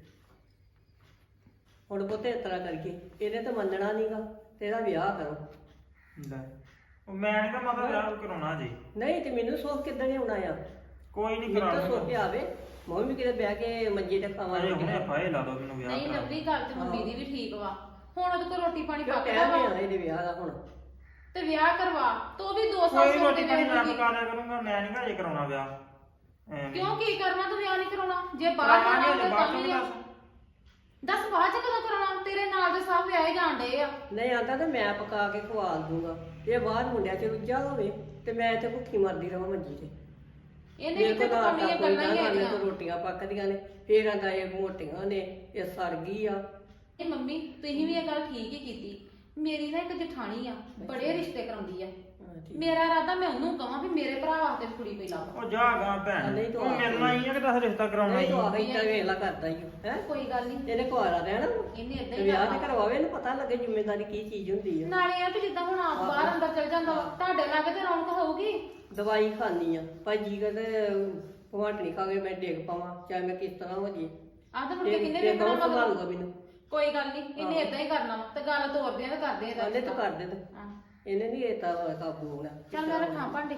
ਹੁਣ ਪੁੱਤ ਇਸ ਤਰ੍ਹਾਂ ਕਰਕੇ ਇਹਨੇ ਤਾਂ ਮੰਨਣਾ ਨਹੀਂਗਾ ਤੇਰਾ ਵਿਆਹ ਕਰੋ ਲੈ ਉਹ ਮੈਂ ਨਹੀਂ ਕਹਾਂ ਮਾਤਾ ਵਿਆਹ ਕਰਾਉਣਾ ਜੀ ਨਹੀਂ ਤੇ ਮੈਨੂੰ ਸੋਚ ਕਿੱਦਾਂ ਆਉਣਾ ਆ ਕੋਈ ਨਹੀਂ ਮੈਨੂੰ ਤਾਂ ਕਰਾ ਸੋਚ ਆਵੇ ਮੈਂ ਵੀ ਕਿਤੇ ਬਹਿ ਕੇ ਮੰਜੇ ਤੇ ਖਾਵਾਂ ਅਜੇ ਹੁਣੇ ਫਾਇਲ ਲਾ ਦੋ ਮੈਨੂੰ ਵਿਆਹ ਨਹੀਂ ਕਰਾ ਲਵਲੀ ਗੱਲ ਤੇ ਮੰਮੀ ਦੀ ਵੀ ਠੀਕ ਵਾ ਹੁਣ ਉਹਦੇ ਕੋਲ ਰੋਟੀ ਪਾਣੀ ਕਿਉਂ ਪੱਕਦਾ ਕਹਿ ਵਾ ਰਿਹਾ ਇਹਦੇ ਵਿਆਹ ਦਾ ਹੁਣ ਤੇ ਵਿਆਹ ਕਰਵਾ ਤੂੰ ਵੀ ਦੋ ਸਾਲ ਕੋਈ ਸੋਚ ਰੋਟੀ ਕੇ ਪਾਣੀ ਮੈਂ ਵੇਖੂਗੀ ਪਕਾ ਲਿਆ ਕਰੂੰਗਾ ਮੈਂ ਨਹੀਂ ਘਰੇ ਕਰਾਉਣਾ ਵਿਆਹ ਐਵੇਂ। ਕਿਉਂ ਕੀ ਕਰਨਾ ਤੂੰ ਵਿਆਹ ਨਹੀਂ ਕਰਾਉਣਾ ਜੇ ਬਾਹਰ ਜਾਣਾ ਕਰਾਵਾਂਗੇ, ਤਾਂ ਬਾਅਦ ਤਾਂ ਚੋਂ ਵੀ ਆ। ਦੱਸ। ਦੱਸ ਬਾਅਦ ਚ ਕਦੋਂ ਕਰਾਉਣਾ ਤੇਰੇ ਨਾਲ ਦੇ ਸਭ ਵਿਆਹੇ ਜਾਣ ਡਏ ਆ ਨਹੀਂ ਆਂਦਾ ਤੇ ਮੈਂ ਪਕਾ ਕੇ ਖਵਾ ਦੂੰਗਾ ਇਹ ਬਾਹਰ ਮੁੰਡਿਆਂ ਚ ਰੁੱਝਾ ਹੋਵੇ ਤੇ ਮੈਂ ਇੱਥੇ ਭੁੱਖੀ ਮਰਦੀ ਰਵਾਂ ਮੰਜੀ ਤੇ ਇਹਨੇ ਮੇਰੇ ਕਿਤੇ ਕੋਲ ਪਕਾਉਣੀਆਂ ਆਟਾ ਕੋਈ ਗੱਲਾਂ ਨਾ ਹੀ ਹਾਲੇ ਹੈਗੀਆਂ ਤੋਂ ਰੋਟੀਆਂ ਪੱਕਦੀਆਂ ਨੇ ਫੇਰ ਆਂਦਾ ਇਹ ਮੋਟੀਆਂ ਨੇ ਇਹ ਸੜ ਗਈ ਆ ਇਹ ਮੰਮੀ ਤੁਸੀਂ ਵੀ ਇਹ ਗੱਲ ਠੀਕ ਹੀ ਕੀਤੀ ਮੇਰੀ ਨਾ ਇੱਕ ਜਠਾਣੀ ਆ ਬੜੇ ਰਿਸ਼ਤੇ ਕਰਾਉਂਦੀ ਆ ਹਾਂ, ਠੀਕ। ਮੇਰਾ ਇਰਾਦਾ ਮੈਂ ਉਹਨੂੰ ਕਹਾਂ ਵੀ ਮੇਰੇ ਭਰਾ ਵਾਸਤੇ ਵੀ ਕੁੜੀ ਕੋਈ ਲੱਭ ਉਹ ਜਾ ਗਾ ਭੈਣ ਨਹੀਂ ਤੂੰ ਉਹ ਆ ਮਿਲਣਾ ਹੀ ਆ ਕਿ ਦੱਸ ਰਿਸ਼ਤਾ ਕਰਾਉਣਾ ਨਹੀਂ ਹੀ ਤੂੰ ਆਹੀ ਤਾਂ ਵੇਲਾ ਕਰਦਾ ਹੀ ਹੈ ਕੋਈ ਗੱਲ ਨਹੀਂ ਇਹਨੇ ਕੁਆਰਾ ਰਹਿਣਾ ਇਹਨੇ ਏਦਾਂ ਤੇ ਹੀ ਵਿਆਹ ਤੇ ਕਰਨਾ ਕਰਵਾਵੇ ਇਹਨੂੰ ਪਤਾ ਲੱਗੇ ਜ਼ਿੰਮੇਵਾਰੀ ਕੀ ਚੀਜ਼ ਹੁੰਦੀ ਹੈ ਨਾਲੇ ਆ ਵੀ ਜਿੱਦਾਂ ਹੁਣ ਆਪ ਬਾਹਰ ਅੰਦਰ ਚਲ ਜਾਂਦਾ ਵਾ ਤੁਹਾਡੇ ਲਾਗੇ ਤੇ ਰੌਣਕ ਹੋਊਗੀ ਦਵਾਈ ਖਾਣੀ ਆ ਭਾਜੀ ਕਹਿੰਦੇ ਭਵਾਟਣੀ ਖਾ ਕੇ ਮੈਂ ਡਿੱਗ ਪਾਵਾਂ ਚਾਹੇ ਮੈਂ ਕਿਸ ਤਰ੍ਹਾਂ ਹੋ ਜੀ ਆਹ ਤਾਂ ਮੁੜ ਕੇ ਕਿੰਨੇ ਤੇ ਵੇਖਣਾ ਕੌਣ ਮਗਰ ਸੰਭਾਲੂਗਾ ਮੈਨੂੰ ਕੋਈ ਗੱਲ ਨਹੀਂ ਇਹਨੇ ਏਦਾਂ ਹੀ ਕਰਨਾ ਵਾ ਤੇ ਗੱਲ ਤੋਰਦੇ ਆ ਤੇ ਕਰਦੇ ਆ ਕਹਿੰਦੇ ਤੂੰ ਕਰ ਦੇ ਤੇ ਹਾਂ। ਇਹਨੇ ਨਹੀਂ ਇਹ ਤਾਂ ਕਾਬੂ ਹੋਣਾ ਚੱਲ ਮੈਂ ਰੱਖਾਂ ਭਾਂਡੇ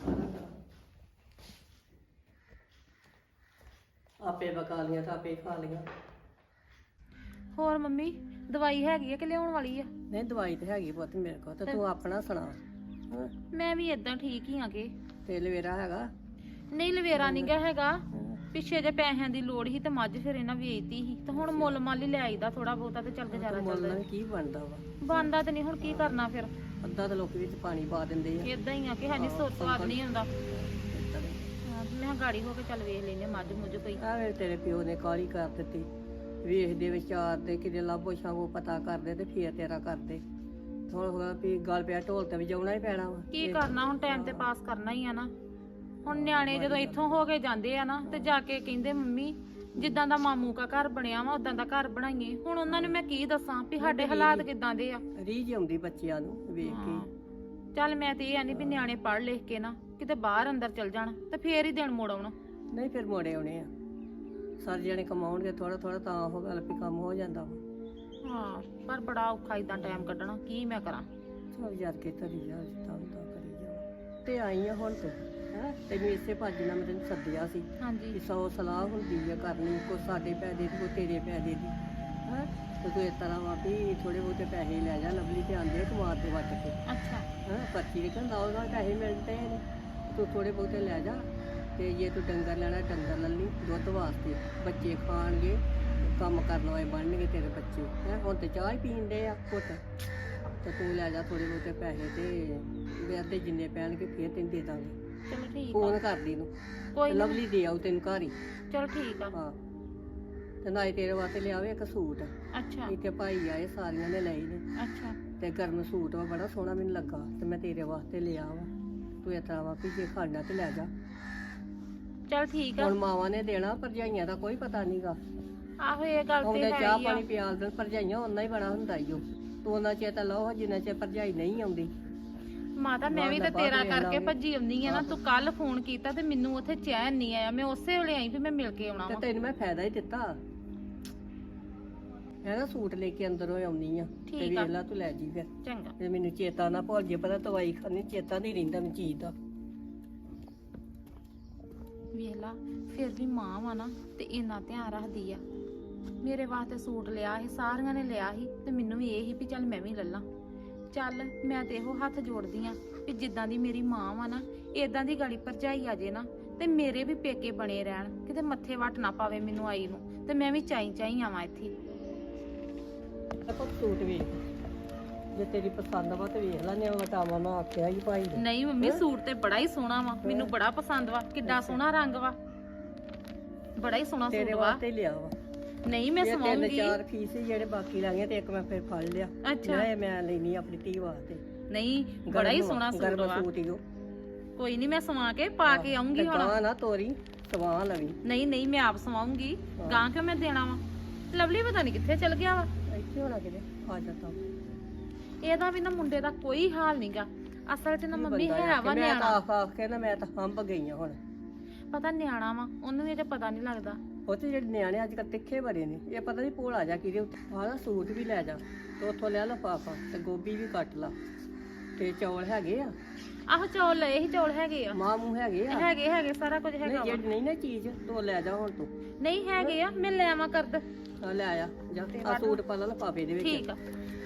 ਆਪੇ ਪਕਾ ਲੀਆਂ ਤਾਂ ਆਪੇ ਖਾ ਲੀਆਂ ਹੋਰ ਮੰਮੀ ਦਵਾਈ ਹੈਗੀ ਆ ਕਿ ਲਿਆਉਣ ਵਾਲੀ ਆ ਨਹੀਂ ਦਵਾਈ ਤੇ ਹੈਗੀ ਪੁੱਤ ਮੇਰੇ ਕੋਲ ਤੇ ਤੂੰ ਆਪਣਾ ਸੁਣਾ ਹਾਂ ਮੈਂ ਵੀ ਏਦਾਂ ਠੀਕ ਹੀ ਆਗੇ ਤੇ ਲਵੇਰਾ ਹੈਗਾ ਨਹੀਂ ਲਵੇਰਾ ਨਹੀਂ ਗਾ ਹੈਗਾ ਪਿੱਛੇ ਜੇ ਪੈਸਿਆਂ ਦੀ ਲੋੜ ਸੀ ਤੇ ਮੱਝ ਫਿਰ ਇਹਨਾਂ ਵੇਚਤੀ ਸੀ ਤੇ ਹੁਣ ਮੁੱਲ ਮਾਲੀ ਲੈ ਆਈਦਾ ਥੋੜਾ ਬਹੁਤਾ ਤੇ ਚੱਲ ਗੁਜ਼ਾਰਾ ਮੁੱਲ ਚੱਲਦਾ ਨਾਲ ਕੀ ਬਣਦਾ ਵਾ ਬੰਦਾ ਤੇ ਨਹੀਂ ਹੁਣ ਕੀ ਕਰਨਾ ਫਿਰ ਅੱਧਾ ਤਾਂ ਲੋਕੀ ਵਿੱਚ ਪਾਣੀ ਪਾ ਦਿੰਦੇ ਆ ਏਦਾਂ ਹੀ ਆ ਕਿ ਹੈ ਨਹੀਂ ਸੋਚ ਸਵਾਦ ਨਹੀਂ ਹੁੰਦਾ ਹਾਂ, ਮੈਂ ਕਿਹਾ ਗਾੜੀ ਹੋ ਕੇ ਚੱਲ ਵੇਖ ਲੈਨੇ ਮੱਝ ਮੁੱਝ ਕੋਈ ਆਵੇ ਤੇਰੇ ਪਿਓ ਨੇ ਕਾਲੀ ਕਰ ਦਿੱਤੀ ਵੇਖਦੇ ਵਿਚਾਰ ਦੇ ਕਿਤੇ ਲਾਭੋ ਛਾਵੋ ਪਤਾ ਕਰਦੇ ਤੇ ਫੇਰ ਤੇਰਾ ਕਰਦੇ ਥੋੜਾ ਥੋੜਾ ਵੀ ਗੱਲ ਪਿਆ ਢੋਲ ਤੇ ਵਜਾਉਣਾ ਹੀ ਪੈਣਾ ਵਾ ਕੀ ਕਰਨਾ ਹੁਣ ਟਾਈਮ ਤੇ ਪਾਸ ਕਰਨਾ ਹੀ ਆ ਨਾ ਹੁਣ ਨਿਆਣੇ ਜਦੋਂ ਇੱਥੋਂ ਹੋ ਕੇ ਜਾਂਦੇ ਆ ਨਾ ਤੇ ਜਾ ਕੇ ਕਹਿੰਦੇ ਮੰਮੀ ਜਿੱਦਾਂ ਦਾ ਮਾਮੂ ਕਾ ਘਰ ਬਣਿਆ ਵਾ ਉਦਾਂ ਦਾ ਘਰ ਬਣਾਈਏ ਹੁਣ ਉਹਨਾਂ ਨੂੰ ਮੈਂ ਕੀ ਦੱਸਾਂ ਵੀ ਸਾਡੇ ਹਾਲਾਤ ਕਿਦਾਂ ਦੇ ਆ ਰੀਝ ਆਉਂਦੀ ਬੱਚਿਆਂ ਨੂੰ ਵੇਖ ਕੇ ਚੱਲ ਮੈਂ ਤੇ ਇਹ ਆਨੀ ਵੀ ਨਿਆਣੇ ਪੜ੍ਹ ਲਿਖ ਕੇ ਨਾ ਕਿਤੇ ਬਾਹਰ ਅੰਦਰ ਚਲ ਜਾਣ ਤੇ ਫੇਰ ਹੀ ਦਿਨ ਮੋੜ ਆਉਣ ਨਹੀਂ ਫਿਰ ਮੋੜੇ ਆਉਣੇ ਆ ਸਾਰੇ ਜਣੇ ਕਮਾਉਣਗੇ ਥੋੜਾ ਥੋੜਾ ਤਾਂ ਉਹ ਗੱਲ ਵੀ ਕੰਮ ਹੋ ਜਾਂਦਾ ਵਾ ਹਾਂ ਪਰ ਬੜਾ ਔਖਾ ਇਦਾਂ ਟਾਈਮ ਕੱਢਣਾ ਕੀ ਮੈਂ ਕਰਾਂ ਚਲ ਯਾਰ ਕੇ ਤਰੀ ਜਾ ਜਿੱਦਾਂ ਹੁੰਦਾ ਕਰੀ ਜਾ ਤੇ ਆਈ ਆ ਹੁਣ ਤੂੰ ਹੈ ਤੈਨੂੰ ਇਸੇ ਭੱਜ ਨਾਲ ਮੈਂ ਤੈਨੂੰ ਸੱਦਿਆ ਸੀ ਹਾਂਜੀ ਕਿ ਸੌ ਸਲਾਹ ਹੁੰਦੀ ਆ ਕਰਨੀ ਕੋ ਸਾਡੇ ਪੈਸੇ ਦੀ ਕੋ ਤੇਰੇ ਪੈਸੇ ਦੀ ਹੈ ਤੇ ਤੂੰ ਇਸ ਤਰ੍ਹਾਂ ਵਾ ਵੀ ਥੋੜੇ ਬਹੁਤੇ ਪੈਸੇ ਲੈ ਜਾ ਲਵਲੀ ਤੇ ਆਂਦੇ ਕਮਾਰ ਤੇ ਵੱਟ ਕੇ ਅੱਛਾ ਹਾਂ ਪਰਚੀ ਦੇ ਕਹਿੰਦਾ ਉਹਦਾ ਪੈਸੇ ਮਿਲਦੇ ਨੇ ਤੂੰ ਥੋੜੇ ਬਹੁਤੇ ਲੈ ਜਾ ਤੇ ਜੇ ਤੂੰ ਡੰਗਰ ਲੈਣਾ ਡੰਗਰ ਲੈ ਲਈ ਦੁੱਧ ਵਾਸਤੇ ਬੱਚੇ ਖਾਣਗੇ ਕੰਮ ਕਰਨ ਵਾਲੇ ਬਣਨਗੇ ਤੇਰੇ ਬੱਚੇ ਹੈ ਹੁਣ ਤੇ ਚਾਹ ਹੀ ਪੀਣ ਦੇ ਆ ਘੁੱਟ ਤੇ ਤੂੰ ਲੈ ਜਾ ਥੋੜੇ ਬਹੁਤੇ ਪੈਸੇ ਤੇ ਵਿਆਹ ਤੇ ਜਿੰਨੇ ਪੈਣਗੇ ਫੇਰ ਤੈਨੂੰ ਦੇ ਦਾਂਗੇ ਚਲੋ ਠੀਕ ਆ ਫੋਨ ਕਰਦੀ ਨੂੰ ਕੋਈ ਨੀ। ਲਵਲੀ ਦੇ ਆਉ ਤੈਨੂੰ ਘਰ ਹੀ ਚਲੋ ਠੀਕ ਆ ਹਾਂ ਤੇ ਨਾਲੇ ਤੇਰੇ ਵਾਸਤੇ ਲਿਆਵੇ ਇੱਕ ਸੂਟ ਅੱਛਾ ਇੱਥੇ ਭਾਈ ਆਏ ਸਾਰੀਆਂ ਨੇ ਲਏ ਨੇ ਅੱਛਾ ਤੇ ਗਰਮ ਸੂਟ ਵਾ ਬੜਾ ਸੋਹਣਾ ਮੈਨੂੰ ਲੱਗਾ ਤੇ ਮੈਂ ਤੇਰੇ ਵਾਸਤੇ ਲਿਆ ਵਾ ਤੂੰ ਇਸ ਤਰ੍ਹਾਂ ਵਾ ਵੀ ਜੇ ਖਾਣਾ ਤੇ ਲੈ ਜਾ ਚਲ ਠੀਕ ਆ ਹੁਣ ਮਾਵਾਂ ਨੇ ਦੇਣਾ ਭਰਜਾਈਆਂ ਦਾ ਕੋਈ ਪਤਾ ਨਹੀਂਗਾ ਆਹੋ ਇਹ ਗੱਲ ਤੇ ਉਹਦੇ ਹੈ ਚਾਹ ਹੀ ਆ ਪਾਣੀ ਪਿਆਲ ਦੇਣ ਭਰਜਾਈਆਂ ਉਹਨਾਂ ਹੀ ਬੜਾ ਹੁੰਦਾ ਈ ਓ ਤੂੰ ਉਹਨਾਂ ਚਿਰ ਤਾਂ ਲਓ ਜਿੰਨਾ ਚਿਰ ਭਰਜਾਈ ਨਹੀਂ ਆਉਂਦੀ ਮਾਤਾ ਮੈਂ ਵੀ ਤੇ ਬਾਅਦ ਤੇਰਾ ਵੇਖ ਕਰਕੇ ਲਾਂਗੇ। ਭੱਜੀ ਆਉਂਦੀ ਆ ਨਾ ਤੂੰ ਕੱਲ ਫੋਨ ਕੀਤਾ ਤੇ ਮੈਨੂੰ ਉੱਥੇ ਚੈਨ ਨਹੀਂ ਆਇਆ ਮੈਂ ਉਸੇ ਵੇਲੇ ਆਈ ਵੀ ਮੈਂ ਮਿਲ ਕੇ ਆਉਣਾ ਤੇ ਵਾ ਤੈਨੂੰ ਮੈਂ ਫਾਇਦਾ ਹੀ ਦਿੱਤਾ ਮੈਂ ਨਾ ਸੂਟ ਲੈ ਕੇ ਅੰਦਰੋਂ ਆਉਣੀ ਆ ਤੇ ਠੀਕ ਆ। ਵੇਖ ਲਾ ਤੂੰ ਲੈ ਜੀ ਫਿਰ ਚੰਗਾ ਤੇ ਮੈਨੂੰ ਚੇਤਾ ਨਾ ਭੁੱਲ ਜੇ ਪਤਾ ਦਵਾਈ ਖਾਣੀ ਚੇਤਾ ਨਹੀਂ ਰਹਿੰਦਾ ਮੈਨੂੰ ਚੀਜ਼ ਦਾ ਵੇਖ ਲਾ ਫਿਰ ਵੀ ਮਾਂ ਵਾ ਨਾ ਤੇ ਇੰਨਾ ਧਿਆਨ ਰੱਖਦੀ ਆ। ਮੇਰੇ ਵਾਸਤੇ ਸੂਟ ਲਿਆ ਸੀ, ਸਾਰੀਆਂ ਨੇ ਲਿਆ ਸੀ ਤੇ ਮੈਨੂੰ ਵੀ ਇਹ ਸੀ ਵੀ ਚੱਲ ਮੈਂ ਵੀ ਲੱਲਾਂ। ਚੱਲ ਮੈਂ ਤੇ ਇਹੋ ਹੱਥ ਜੋੜਦੀ ਆ ਵੀ ਜਿੱਦਾਂ ਦੀ ਮੇਰੀ ਮਾਂ ਵਾ ਨਾ ਇਦਾਂ ਦੀ ਗਾੜੀ ਭਰਜਾਈ ਆ ਜੇ ਨਾ ਤੇ ਮੇਰੇ ਵੀ ਪੇਕੇ ਬਣੇ ਰਹਿਣ, ਕਿਤੇ ਮੱਥੇ ਵੱਟ ਨਾ ਪਾਵੇ ਮੈਨੂੰ ਆਈ ਨੂੰ, ਤੇ ਮੈਂ ਵੀ ਚਾਈ ਚਾਈ ਆਵਾਂ ਇੱਥੇ। ਦੇਖੋ ਸੂਟ ਵੇਖ, ਜੇ ਤੇਰੀ ਪਸੰਦ ਵਾ ਤੇ ਵੇਖ ਲੈਣੇ ਉਹ ਵਟਾਵਾਂ ਮੈਂ ਆਖਿਆ ਹੀ ਭਾਈ ਨੇ। ਨਹੀਂ ਮੰਮੀ ਸੂਟ ਤੇ ਬੜਾ ਹੀ ਸੋਹਣਾ ਵਾ, ਮੈਨੂੰ ਬੜਾ ਪਸੰਦ ਵਾ, ਕਿੱਡਾ ਸੋਹਣਾ ਰੰਗ ਵਾ, ਬੜਾ ਹੀ ਸੋਹਣਾ ਤੇਰੇ ਸੂਟ ਵਾ। ਵਾਸਤੇ ਹੀ ਲਿਆ ਵਾ। ਨਹੀਂ ਮੈਂ ਇਹ ਤਿੰਨ ਸਵਾਉਂਗੀ। ਚਾਰ ਪੀਸ ਸੀ ਜਿਹੜੇ ਬਾਕੀ ਰਹਿ ਗਏ ਤੇ ਇੱਕ ਮੈਂ ਫਿਰ ਫੜ ਲਿਆ। ਅੱਛਾ ਇਹ ਮੈਂ ਲੈਣੀ ਆਪਣੀ ਧੀ ਵਾਸਤੇ। ਨਹੀਂ ਬੜਾ ਹੀ ਗਰਮ ਸੋਹਣਾ ਸੂਟ ਗਰਮ ਵਾ। ਸੂਟ ਹੀ ਉਹ। ਕੋਈ ਨਹੀਂ ਮੈਂ ਸਵਾ ਕੇ ਪਾ ਕੇ ਆਉਂਗੀ ਹੁਣ। ਗਾਂ ਨਾ ਤੋਰੀ ਸਵਾ ਲਵੀ। ਨਹੀਂ ਨਹੀਂ ਮੈਂ ਆਪ ਸਵਾਉਂਗੀ, ਗਾਂ ਕਿਉਂ ਮੈਂ ਦੇਣਾ ਵਾ। ਲਵਲੀ ਪਤਾ ਨਹੀਂ ਕਿੱਥੇ ਚਲ ਗਿਆ ਵਾ। ਇੱਥੇ ਹੋਣਾ ਕਿਤੇ ਆ ਜਾਂਦਾ। ਇਹਦਾ ਵੀ ਨਾ ਮੁੰਡੇ ਦਾ ਕੋਈ ਹਾਲ ਨਹੀਂਗਾ। ਅਸਲ 'ਚ ਨਾ ਮੰਮੀ ਹੈ ਵਾ ਮੈਂ ਤਾਂ ਨਿਆਣਾ, ਆਖ ਆਖ ਕੇ ਨਾ ਮੈਂ ਤਾਂ ਹੰਬ ਗਈ ਆ ਹੁਣ। ਪਤਾ ਨਿਆਣਾ ਵਾ, ਉਹਨੂੰ ਵੀ ਅਜੇ ਪਤਾ ਨਹੀਂ ਲੱਗਦਾ। ਉਹ ਤੇ ਜਿਹੜੇ ਨਿਆਣੇ ਅੱਜ ਕੱਲ੍ਹ ਤਿੱਖੇ ਬੜੇ ਨੇ, ਇਹ ਪਤਾ ਨਹੀਂ ਭੋਲਾ ਜਾ ਕਿਹਦੇ ਉੱਤੇ। ਆਹ ਨਾ ਸੂਟ ਵੀ ਲੈ ਜਾ ਤੇ ਉੱਥੋਂ ਲੈ ਲਫਾਫਾ ਤੇ ਗੋਭੀ ਵੀ ਕੱਟ ਲਾ ਤੇ ਚੌਲ ਹੈਗੇ ਆ। ਆਹੋ ਚੌਲ ਲਏ ਸੀ, ਚੌਲ ਹੈਗੇ ਆ। ਮਾਂ ਮੂੰਹ ਹੈਗੇ ਆ। ਹੈਗੇ ਹੈਗੇ ਸਾਰਾ ਕੁਝ ਨਹੀਂ ਹੈਗਾ ਵਾ। ਜਿਹੜੀ ਨਹੀਂ ਨਾ ਚੀਜ਼ ਤੂੰ ਲੈ ਜਾ ਹੁਣ ਤੂੰ। ਨਹੀਂ ਹੈਗੇ ਆ, ਮੈਂ ਲੈ ਆਵਾਂ ਕਰਦ। ਆ ਲੈ ਆ ਜਾ ਆ ਸੂਟ ਪਾ ਲਾ ਲਫਾਫੇ ਦੇ ਵਿੱਚ। ਠੀਕ ਆ।